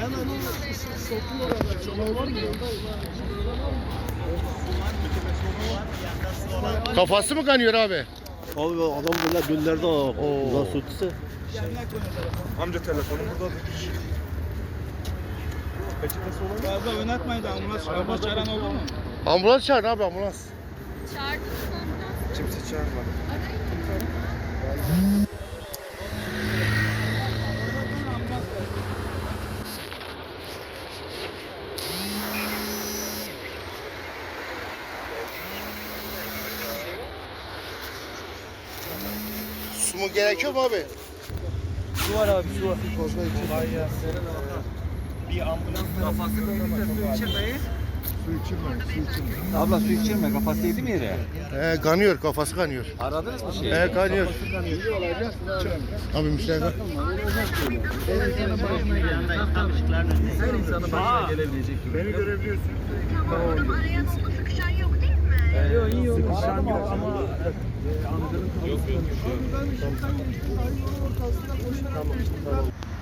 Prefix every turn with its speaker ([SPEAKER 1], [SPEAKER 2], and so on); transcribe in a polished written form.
[SPEAKER 1] Kafası mı kanıyor abi?
[SPEAKER 2] Abi adam böyle döllerde nasıl tutsa.
[SPEAKER 3] Amca telefonu buradadır. Peçetesi olan mı?
[SPEAKER 4] Fazla oynatmayın da ambulans çağıran oldu mu?
[SPEAKER 1] Ambulans çağır abi, ambulans.
[SPEAKER 5] Çağırdınız mı ambulans?
[SPEAKER 3] Kimse çağırmadı.
[SPEAKER 1] Su mu gerekiyor mu abi?
[SPEAKER 2] Su var abi, su var.
[SPEAKER 3] Kolay gelsin. Bir ambulans kafası değilse su içirmeyiz.
[SPEAKER 4] Abla su içirme kafası yedi mi yere?
[SPEAKER 1] Kanıyor, kafası kanıyor.
[SPEAKER 4] Aradınız mı şey?
[SPEAKER 1] Kanıyor. Abi müşteri.
[SPEAKER 4] Her insanın başına gelebilecek.
[SPEAKER 3] Beni görebiliyorsun.
[SPEAKER 5] Arayan oldu, sıkışan yok değil mi?
[SPEAKER 4] Yok iyi oldu.
[SPEAKER 3] Sıkışan yok ama
[SPEAKER 4] Yok yok.
[SPEAKER 3] tamam.